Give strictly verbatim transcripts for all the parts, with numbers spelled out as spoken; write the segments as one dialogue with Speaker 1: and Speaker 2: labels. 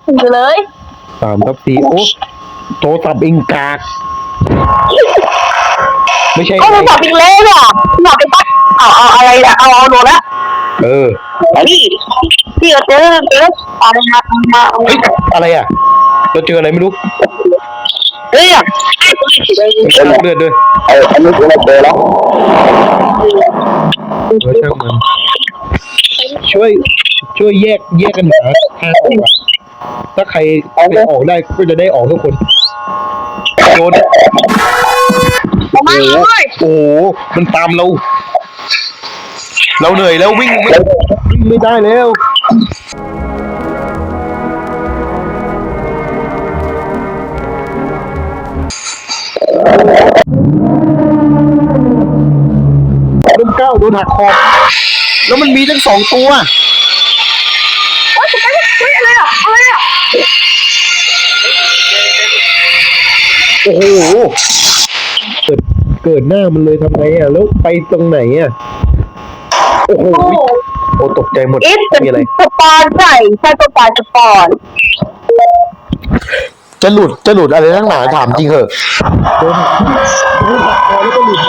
Speaker 1: สี่เลย
Speaker 2: สามทับสี่โอ้โทรศัพท์อิงกากไม่ใช่
Speaker 1: ก็โทรศัพท์อีกแล้วอ่ะหน่อไปปัดเอาเอาอะไรอะเอาเอาโดนละ
Speaker 2: เออ
Speaker 1: พี่พี่ก็เจอเจออะไรมามา
Speaker 2: เฮ้ยอะไรอ่ะเราเจออะไรไม่รู้
Speaker 1: เฮ้ย
Speaker 2: ช่างเลือดด้วย
Speaker 1: เอออันนี้เราเจอแล้ว
Speaker 2: เออช่างมันช่วยช่วยแยกแยกกันหาทางออกถ้าใครไปออกได้ก็จะได้ออกทุกคนโดนโอ้โหโอ้โหมันตามเราเราเหนื่อยแล้ววิ่งไม่วิ่งไม่ได้แล้วโดนเก้าโดนหักคอแล้วมันมีทั้งสองตัว
Speaker 1: โอ๊ยเฮ้ยอะไรอ่ะอะไรอ่ะ
Speaker 2: โอ้โหเกิดเกิดหน้ามันเลยทำไงอ่ะแล้วไปตรงไหนอ่ะโอ้โหโอ้ตกใจหมดมีอะไร
Speaker 1: สปอนใช่ใช่สปอนสปอน
Speaker 2: จะหลุดจะหลุดอะไรทั้งหนาถามจริงเหอะโดนโดนหักคอแล้วก็หลุด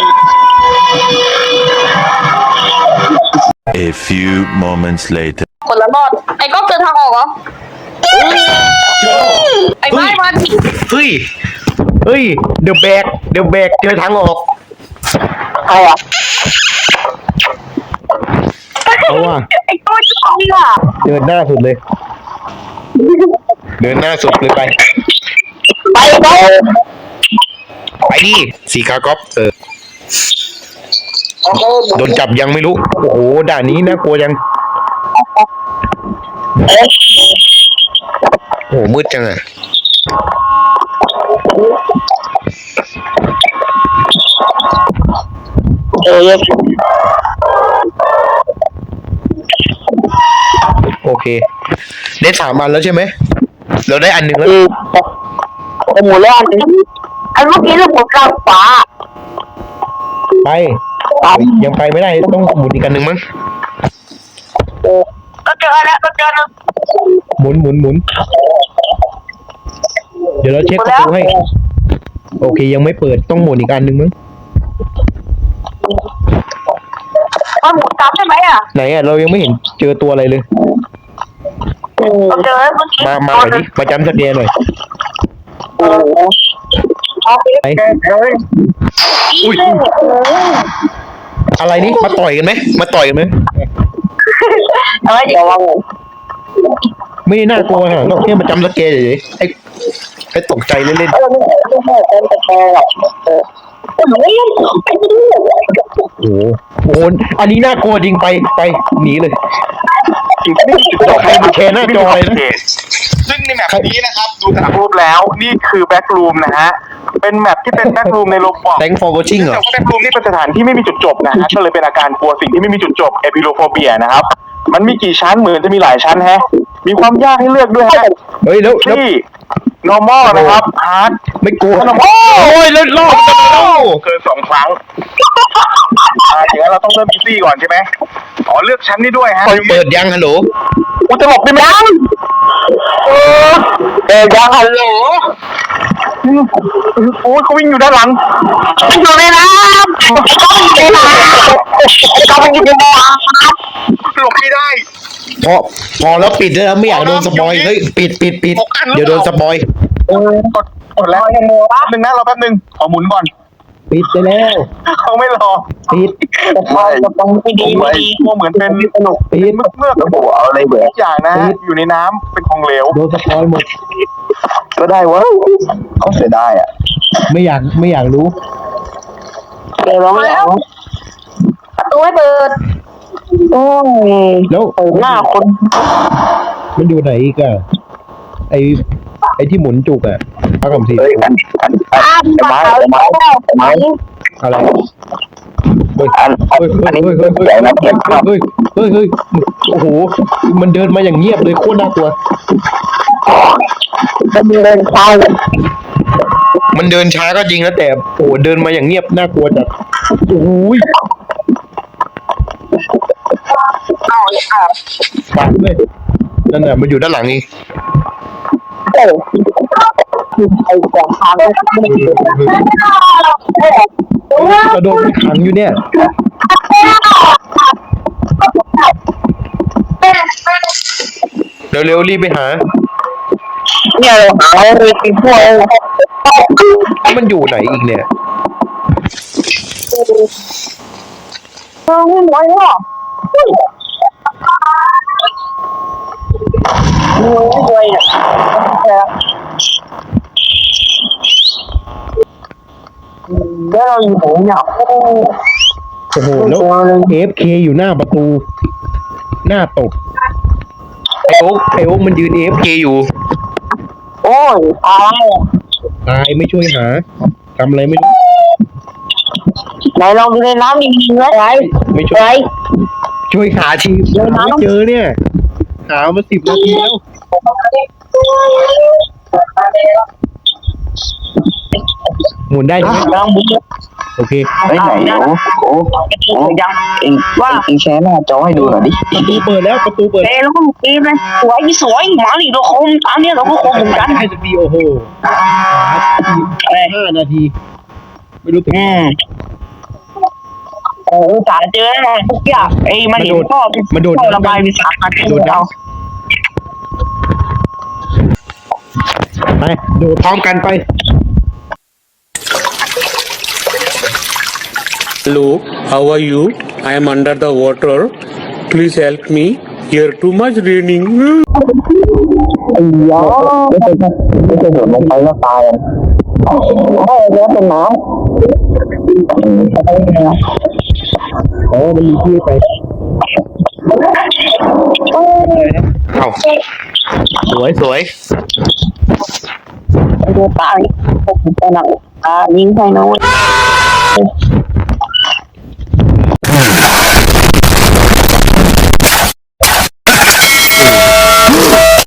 Speaker 3: A few moments later
Speaker 1: คนละรอดไอ้ก็เจอทางออกเหรอไอ้ไม้มัน
Speaker 2: เฮ้ยเฮ้ยเดี๋ยวแบกเดี๋ยวแบกเจอทางออก
Speaker 1: เอาอ่ะ
Speaker 2: เอาว่ะ
Speaker 1: ไอ้ตัวจะเอาอ่ะ
Speaker 2: เดินหน้าสุดเลยเดินหน้าสุดเลยไป
Speaker 1: ไปไป
Speaker 2: ไปดิสีกากอฟเออโดนจับยังไม่รู้โอ้โหด่านนี้น่ากลัวยังโอ้โหมืดจังอ่ะ
Speaker 1: เออ
Speaker 2: โอเคได้สามอันแล้วใช่ไหมเราได้อันหนึ่งแล้ว
Speaker 1: โอ้โหแล้วอันนี้อันเมื่อกี้เราหมุนกลางขวา
Speaker 2: ไปยังไปไม่ได้ต้องหมุนอีกอันหนึ่งมั้ง
Speaker 1: ก็เจอแล้วก็เจอแล้ว
Speaker 2: หมุนหมุนหมุนเดี๋ยวเราเช็คประตูให้โอเคยังไม่เปิดต้องหมุนอีกอันหนึ่งมั้ง
Speaker 1: มันหมุนตามใช่ไหมอ่ะ
Speaker 2: ไหนอ่ะเรายังไม่เห็นเจอตัวอะไรเลย
Speaker 1: เจอเมื่อกี้
Speaker 2: มามาหน่อยดิมาจำสเกลหน่อยไอ้อุ้ยอะไรนี่มาต่อยกันไหมมาต่อยกันไหม
Speaker 1: อะไรเดี๋ยวว่า
Speaker 2: ไม่น่ากลัวฮะเราแค่มาจำสเกลเฉยๆให้ให้ตกใจเล่นๆโอ้โหอันนี้น่ากลัวจริงไปไปหนีเลยใครมาแชร์หน้าจอเลยนะ
Speaker 4: ซึ่งในแมปนี้นะครับดูจากรูปแล้วนี่คือแบ็กรูมนะฮะเป็นแมปที่เป็นแบ็กรูมในโลบอก
Speaker 2: Thanks for watching เหรอ
Speaker 4: แต่ว่าแบ็กรูมนี่เป็นสถานที่ไม่มีจุดจบนะฮะก็เลยเป็นอาการกลัวสิ่งที่ไม่มีจุดจบเอพิโลโฟเบียนะครับมันมีกี่ชั้นเหมือนจะมีหลายชั้นฮะมีความยากให้เลือกด้วยฮะ
Speaker 2: เฮ้ยแล้ว
Speaker 4: ที่ normal นะครับ hard
Speaker 2: ไม่กลัวโอ้ยแล้วรอบกันแล้ว
Speaker 4: เกินสองครั้งอ่าอย่างนั้นเราต้องเริ่มอีซี่ก่อนใช่ไหมอ๋อเลือกชั้นนี้ด้วยฮะ
Speaker 2: เปิดยังฮัลโหล
Speaker 4: กูจะหลบได้ไหม
Speaker 1: เออเปิดยังฮัลโหล
Speaker 4: โอ้ยเขาวิ่งอยู่ด้านหลัง
Speaker 1: อยู่ในน้ำต้องอยู่ในน้ำต้องอยู่ในน้
Speaker 4: ำหลบไม่ได้
Speaker 2: พอพอแล้วปิดแล้วไม่อยากโดนสปอยเฮ้ยปิดปิดปิดเดี๋ยวโดนสปอย
Speaker 4: เออกดกดแล้วยังโมแป๊บนึงนะรอแป๊บนึงขอหมุนก่อน
Speaker 2: ปิดไปแล้ว
Speaker 4: เขาไม่รอ
Speaker 2: ปิด
Speaker 1: ไม่ต้องไม่ดีไม่ดี
Speaker 4: เหมือนเป็น
Speaker 2: สนุกปิด
Speaker 4: เมื่อเมื่อ
Speaker 1: หัวอะไรเบื่อ
Speaker 4: อย่างนะอยู่ในน้ำเป็นของเหลว
Speaker 2: โดนสปอยหมด
Speaker 4: ก็ได้วะเขาเสียได้อ่ะ
Speaker 2: ไม่อยากไม่อยากรู้
Speaker 1: เดี๋ยวร้องแล้วประตูให้เปิดโอ้ย
Speaker 2: แล้ว
Speaker 1: หน้าคน
Speaker 2: มันอยู่ไหนอีกอะไอไอที่หมุนจุกอะพักคำสี
Speaker 1: เฮ้ยอันอันอันไม้ไม้ไม้
Speaker 2: อะไร
Speaker 1: เฮ้ยอันอันนี้เฮ้ยเฮ้ยเฮ้ยเฮ้ย
Speaker 2: เฮ้ยเฮ้ยเฮ้ยโอ้โหมันเดินมาอย่างเงียบเลยโคตรน่ากลัว
Speaker 1: มันเดินช้า
Speaker 2: มันเดินช้าก็จริงนะแต่โอ้เดินมาอย่างเงียบน่ากลัวจัดโอ้ย
Speaker 1: เอาอ่ะ
Speaker 2: ปัดเลยนั่นแหละมันอยู่ด้านหลังนี่
Speaker 1: เออไอ้กองทางไม่ได้
Speaker 2: กระโดดไปขังอยู่เนี่ยเร็วๆรีบไปหา
Speaker 1: เนี่ยเราหาเลยกินพวก
Speaker 2: มันอยู่ไหนอีกเนี่ย
Speaker 1: เออไม่ไหวหรอกไม่ไหวอ่ะแล้วเราอยู่ไหนเนี่ย
Speaker 2: โอ้โหแล้ว เอฟ เค อยู่หน้าประตู หน้าตกไอโอ๊กไอโอ๊กมันยืน เอฟ เค อยู่
Speaker 1: โอ้ยตาย
Speaker 2: ตายไม่ช่วยหาทำอะไรไม่รู้
Speaker 1: ไหนลองดูในน้ำดีๆไหมไร
Speaker 2: ไม่ช่วย ช่วยหาทีหาไม่เจอเนี่ย หามาสิบนาทีแล้ว หมุนได้ใช่ไหม
Speaker 1: ลองดู
Speaker 2: โอเค
Speaker 5: ไปไหนโอ้โอ้โอ้
Speaker 1: ยัง
Speaker 5: เองว่าเองแชร์หน้าจอให้ดูหน่อยดิ
Speaker 2: ประตูเปิดแล้วประตูเปิด
Speaker 1: เอ้แล้วก็เกมเลยสวยสวยหมาหลีเราคมตามเนี้ยเราก็คมเหมือนกัน
Speaker 2: ให้สักทีโอ้โหหาห้านาที ไม่รู้ถึง
Speaker 1: อืมโอ้สารเจอแน่ทุกอย่างไอ้มันเห็นพ่อพ่อระบายวิสาหะที่เรา
Speaker 2: ไปโดดพร้อมกันไป
Speaker 6: Hello, how are you? I am under the water. Please help me. Here too much raining.
Speaker 1: ไอ้ยาไม่ใช่ไม่ใช่โดดลงไปแล้วตายโอ้แล้วเป็นน้ำ
Speaker 2: โอ้มันมีที่ไปเอ้าสวยสวย
Speaker 1: ไอ้ตัวตายผมจะหนักตายิงใครนะเว้ย